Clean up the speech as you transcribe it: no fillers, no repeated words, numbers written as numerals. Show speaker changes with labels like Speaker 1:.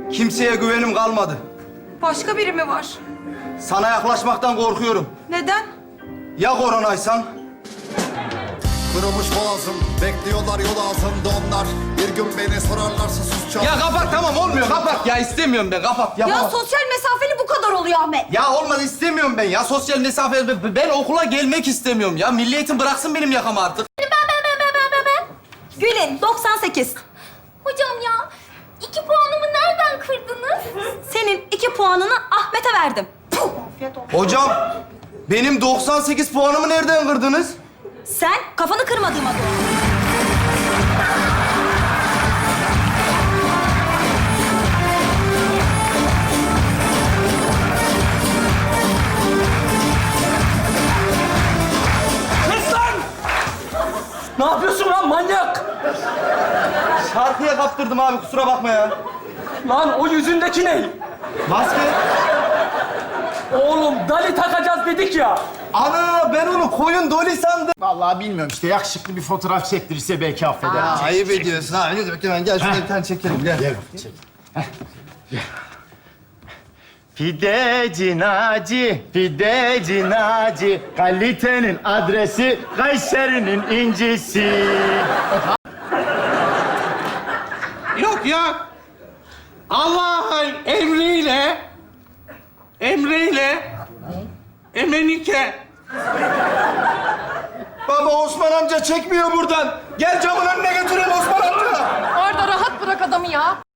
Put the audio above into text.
Speaker 1: Kimseye güvenim kalmadı.
Speaker 2: Başka biri mi var?
Speaker 1: Sana yaklaşmaktan korkuyorum.
Speaker 2: Neden?
Speaker 1: Ya koronaysan?
Speaker 3: Kırılmış boğazım, bekliyorlar yol ağzında onlar. Bir gün beni sorarlarsa susacağım.
Speaker 1: Ya kapat, tamam olmuyor, kapat. Ya istemiyorum ben, kapat.
Speaker 2: Ya
Speaker 1: Yapamam.
Speaker 2: sosyal mesafeli bu kadar oluyor Ahmet.
Speaker 1: Ya olmaz, istemiyorum ben ya. Sosyal mesafe, ben okula gelmek istemiyorum ya. Milli Eğitim bıraksın benim yakamı artık.
Speaker 2: Ben. Gül'ün 98.
Speaker 4: Hocam ya, 2 puanımı nereden kırdınız?
Speaker 2: Senin 2 puanını Ahmet'e verdim. Puh!
Speaker 1: Hocam, benim 98 puanımı nereden kırdınız?
Speaker 2: Sen kafanı kırmadığıma doğru.
Speaker 5: Kes lan! Ne yapıyorsun lan manyak?
Speaker 1: Şarkıya kaptırdım abi, kusura bakma ya.
Speaker 5: Lan o yüzündeki ne?
Speaker 1: Maske.
Speaker 5: Oğlum dali takacağız dedik ya.
Speaker 1: Ana, ben onu koyun doli sandım.
Speaker 6: Vallahi bilmiyorum işte yakışıklı bir fotoğraf çektirirse belki affeder.
Speaker 1: Ya ayıp ediyorsun ha. Ne demek hemen gel şurada bir tane çekelim, gel.
Speaker 6: Gel çek. Pideci Naci, pideci Naci. Kalitenin adresi, Kayseri'nin incisi.
Speaker 7: Yok ya. Allah'ın emriyle Emenike.
Speaker 1: Baba, Osman amca çekmiyor buradan. Gel camın önüne götüreyim Osman amca.
Speaker 8: Arda rahat bırak adamı ya.